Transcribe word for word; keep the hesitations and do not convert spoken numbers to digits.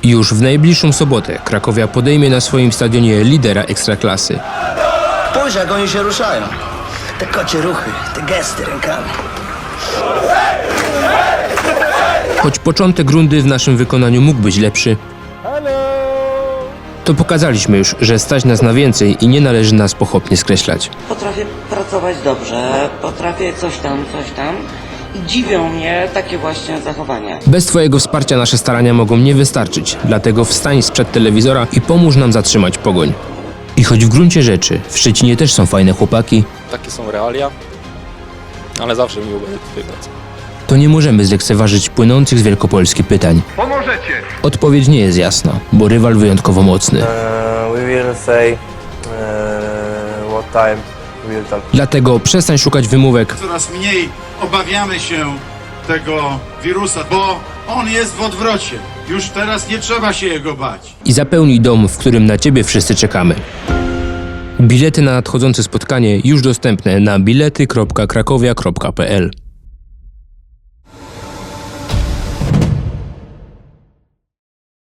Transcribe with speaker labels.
Speaker 1: Już w najbliższą sobotę Krakowia podejmie na swoim stadionie lidera Ekstraklasy.
Speaker 2: Spójrz, jak oni się ruszają. Te kocie ruchy, te gesty rękami.
Speaker 1: Choć początek rundy w naszym wykonaniu mógł być lepszy, to pokazaliśmy już, że stać nas na więcej i nie należy nas pochopnie skreślać.
Speaker 3: Potrafię pracować dobrze, potrafię coś tam, coś tam i dziwią mnie takie właśnie zachowania.
Speaker 1: Bez twojego wsparcia nasze starania mogą nie wystarczyć, dlatego wstań sprzed telewizora i pomóż nam zatrzymać Pogoń. I choć w gruncie rzeczy w Szczecinie też są fajne chłopaki,
Speaker 4: Takie są realia, ale zawsze miło będzie tutaj pracować.
Speaker 1: to nie możemy zlekceważyć płynących z Wielkopolski pytań.
Speaker 5: Pomożecie!
Speaker 1: Odpowiedź nie jest jasna, bo rywal wyjątkowo mocny.
Speaker 6: Uh, we will say uh, what time we will talk.
Speaker 1: Dlatego przestań szukać wymówek,
Speaker 5: Coraz mniej obawiamy się tego wirusa, bo on jest w odwrocie. Już teraz nie trzeba się jego bać.
Speaker 1: i zapełnij dom, w którym na ciebie wszyscy czekamy. Bilety na nadchodzące spotkanie już dostępne na bilety kropka krakowia kropka p l.